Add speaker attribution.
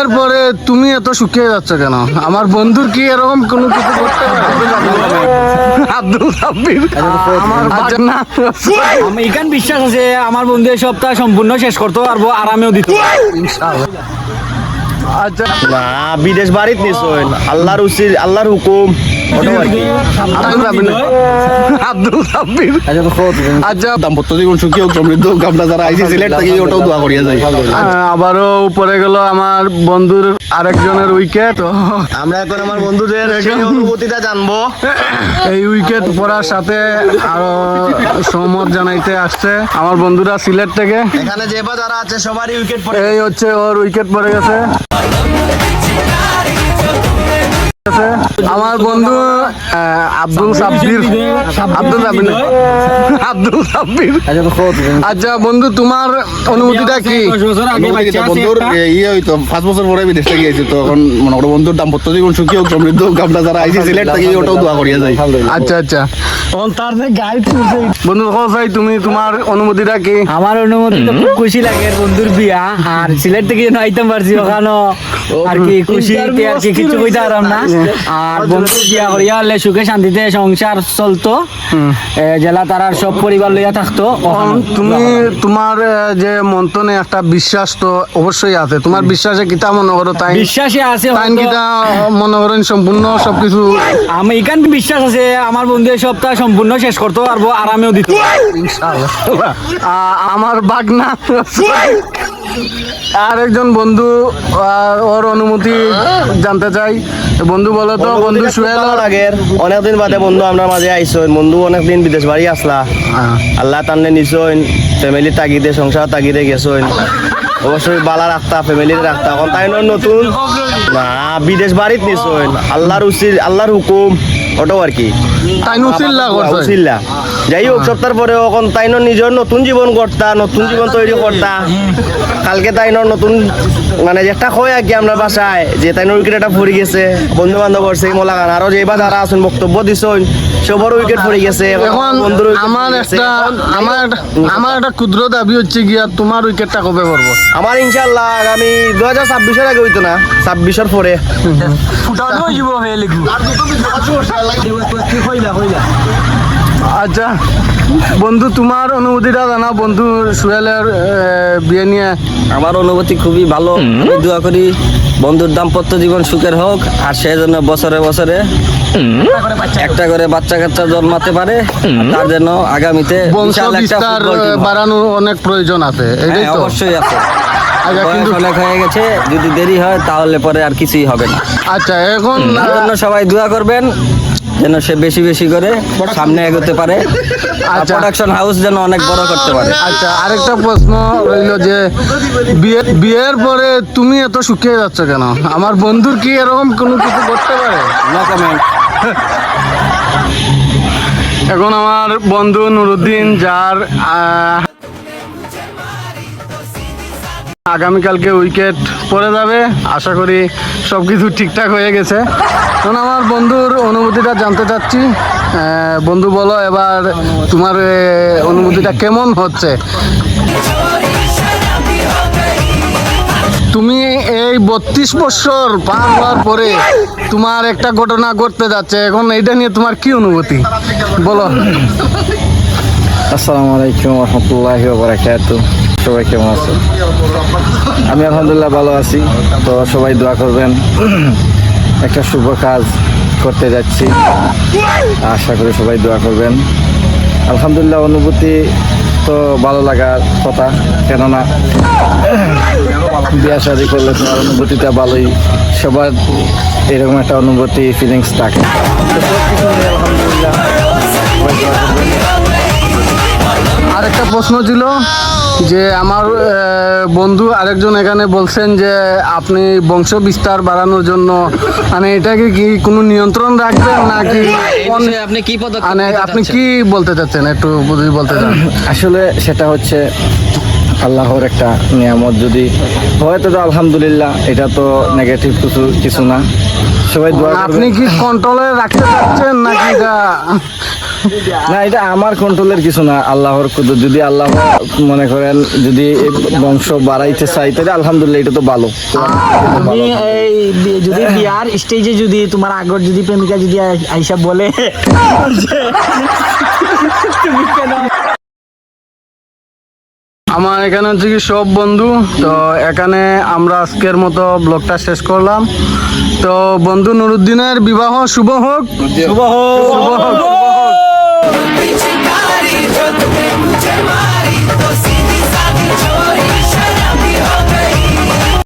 Speaker 1: বিয়ের পরে তুমি এত শুকিয়ে যাচ্ছ কেন? আমার বন্ধুর কি এরকম কোনো কিছু করতে পারে? আব্দুল সাব্বির আচ্ছা, না
Speaker 2: আমি এখান বিশ্বাস আছে আমার বন্ধু এই সপ্তাহ সম্পূর্ণ শেষ করতে পারবো, আরামেও দিত
Speaker 1: ইনশাআল্লাহ। আচ্ছা
Speaker 3: না বিদেশ বাড়িত নিশ্চয় আল্লাহর উচিত আল্লাহর হুকুম ওটাও আর কি।
Speaker 1: আব্দুল সাব্বির আচ্ছা
Speaker 3: দাম্পত্য জীবন সুখী হোক সমৃদ্ধ হোক, আমরা যারা আইসি সিলেট থেকে ওটাও দোয়া করিয়া যাই।
Speaker 1: আবারও উপরে গেল আমার বন্ধুর আরেকজনের উইকেট।
Speaker 3: আমরা এখন আমার বন্ধুদের সেই অনুভূতিটা জানবো।
Speaker 1: এই উইকেট পড়ার সাথে আরো সহমত জানাইতে আসছে আমার বন্ধুরা সিলেট থেকে।
Speaker 3: এখানে যে বা যারা আছে সবারই উইকেট পড়ে
Speaker 1: এই হচ্ছে ওর উইকেট পড়ে গেছে। আমার বন্ধু আব্দুল সাব্বির আচ্ছা বন্ধু, তোমার অনুভূতিটা কি?
Speaker 3: বন্ধুর ইয়ে হইতো 5 বছর পরে বিদেশ থেকে গিয়েছি, তো এখন মনে করো বন্ধুর দাম্পত্য জীবন সুখী হোক সমৃদ্ধ হোক, আমরা যারা আইসি সিলেট থেকে ওটাও দোয়া করিয়া যাই।
Speaker 1: আচ্ছা আচ্ছা বন্ধু ভাই, তুমি তোমার অনুভূতিটা কি?
Speaker 2: আমার অনুমতি তো খুব খুশি লাগে বন্ধুর বিয়া, আর সিলেট থেকে যেন আইতাম পারছি ওখানে আর কি খুশিতে আর কি কিছু কইতে পারলাম না। আর বন্ধু বিয়া করিয়া হলে সুখে শান্তিতে সংসার চলতো, জেলা তারার সব পরিবার লইয়া থাকতো।
Speaker 1: তুমি তোমার যে মন্তনে একটা বিশ্বাস তো অবশ্যই আছে, তোমার বিশ্বাসে কিতা মনে করো? তাই
Speaker 2: বিশ্বাসে আছে
Speaker 1: তাই কিতা মনে করেন সম্পূর্ণ সবকিছু?
Speaker 2: আমি এখান বিশ্বাস আছে আমার বন্ধু এই সপ্তাহ সম্পূর্ণ শেষ করতে পারবো, আরামেও দিত
Speaker 1: আমার বাগনা আর একজন বন্ধু, ওর অনুমতি জানতে চাই। বন্ধু বলো তো, বন্ধু সুহেল
Speaker 3: আগের অনেকদিন বাদে বন্ধু আমরা মাঝে আইসইন। বন্ধু অনেকদিন বিদেশ বাড়ি আসলা, আল্লাহ টানলে নিছইন, ফ্যামিলি তাগিদে সংসার তাগিদে গেছইন। অবশ্যই বালা রাখতা, ফ্যামিলির রাখতা। এখন তাই নতুন না বিদেশ বাড়িত নিছইন আল্লাহর উচিত আল্লাহর হুকুম ওটাও আর কি।
Speaker 1: তাই নুসিল্লা করছে
Speaker 3: উচিল্লা যাই হোক সপ্তাহ পরে এখন তাই নিজের নতুন জীবন করতা, নতুন জীবন তৈরি করতা। কালকে তাই নতুন মানে একটা হয় আর কি আমরা বাসায় যে তাই উইকেট একটা পড়ে গেছে, বন্ধু বান্ধব করছে মোলাগান আরো যে এবার যারা আছেন বক্তব্য দিছেন সবার উইকেট পড়ে গেছে।
Speaker 1: এখন
Speaker 3: বন্ধুর
Speaker 1: আমার একটা ক্ষুদ্র দাবি হচ্ছে গিয়া, তোমার উইকেটটা কবে পড়বো?
Speaker 3: আমার ইনশাল্লাহ আগামী 2026-এর আগে হইতো না, 26-এর পরে।
Speaker 1: আচ্ছা বন্ধু, তোমার অনুভূতিটা জানা বন্ধু সুহেলের বিয়ে নিয়ে।
Speaker 4: আমার অনুভূতি খুবই ভালো। আমি দোয়া করি বন্ধুর দাম্পত্য জীবন সুখের হোক, আর সেই জন্য বছরে বছরে একটা করে বাচ্চা কাচ্চা জন্মাতে পারে, তার জন্য আগামীতে
Speaker 1: বংশ বিস্তার বাড়ানোর অনেক প্রয়োজন আছে। এটাই তো
Speaker 4: অবশ্যই আছে।
Speaker 1: কিন্তু
Speaker 4: অনেক হয়ে গেছে, যদি দেরি হয় তাহলে পরে আর কিছুই হবে না।
Speaker 1: আচ্ছা এখন
Speaker 4: তার জন্য সবাই দোয়া করবেন যেন সে বেশি বেশি করে সামনে এগোতে পারে, প্রোডাকশন হাউস যেন অনেক বড় করতে পারে।
Speaker 1: আচ্ছা আরেকটা প্রশ্ন রইল যে বিয়ের পরে তুমি এত শুকিয়ে যাচ্ছ কেন? আমার বন্ধুর কি এরকম কোনো কিছু করতে পারে?
Speaker 4: No comment.
Speaker 1: এখন আমার বন্ধু নুরুদ্দিন, যার আগামীকালকে উইকেট পড়ে যাবে, আশা করি সবকিছু ঠিকঠাক হয়ে গেছে। এখন আমার বন্ধুর অনুভূতিটা জানতে চাচ্ছি। বন্ধু বলো এবার তোমার অনুভূতিটা কেমন হচ্ছে? তুমি এই 32 বছর পার হওয়ার পরে তোমার একটা ঘটনা ঘটতে যাচ্ছে, এখন এইটা নিয়ে তোমার কি অনুভূতি বলো?
Speaker 5: আসসালামু আলাইকুম রহমতুল্লাহি ওয়া বারাকাতুহু। সবাই কেমন আছেন? আমি আলহামদুলিল্লাহ ভালো আছি। তো সবাই দোয়া করবেন। একটা শুভ কাজ করতে যাচ্ছি, আশা করি সবাই দোয়া করবেন। আলহামদুলিল্লাহ অনুভূতি তো ভালো লাগার কথা, কেননা বিয়ে শাদী করলে তোমার অনুভূতিটা ভালোই, সবার এরকম একটা অনুভূতি ফিলিংস থাকে। তো সব কিছু নিয়ে আলহামদুলিল্লাহ সবাই দোয়া করবেন।
Speaker 1: আরেকটা প্রশ্ন ছিল যে আমার বন্ধু আরেকজন এখানে বলছেন যে আপনি বংশ বিস্তার বাড়ানোর জন্য মানে এটাকে কি কোনো নিয়ন্ত্রণ রাখবেন নাকি
Speaker 4: আপনি কি
Speaker 1: মানে আপনি কি বলতে চাচ্ছেন একটু যদি বলতে চান?
Speaker 5: আসলে সেটা হচ্ছে আল্লাহর একটা নিয়ামত, যদি হয় তো আলহামদুলিল্লাহ, এটা তো নেগেটিভ কিছু না। সবাই দোয়া করবেন।
Speaker 1: আপনি কি কন্ট্রোলে রাখতে চাচ্ছেন নাকি এটা
Speaker 5: না এটা আমার কন্ট্রোলের কিছু না, আল্লাহর কুদরত। যদি আল্লাহ মনে করেন যদি এই বংশ বাড়াইতে চাই তাহলে আলহামদুলিল্লাহ, এটা তো ভালো।
Speaker 2: তুমি এই যদি বিয়ার স্টেজে যদি তোমার আগর যদি প্রেমিকা যদি আইসা বলে যে তুমি কেন
Speaker 1: আমার এখানে হচ্ছে কি সব বন্ধু, তো এখানে আমরা আজকের মতো ব্লগটা শেষ করলাম। তো বন্ধু নুরুদ্দিনের বিবাহ শুভ হোক, শুভ হোক।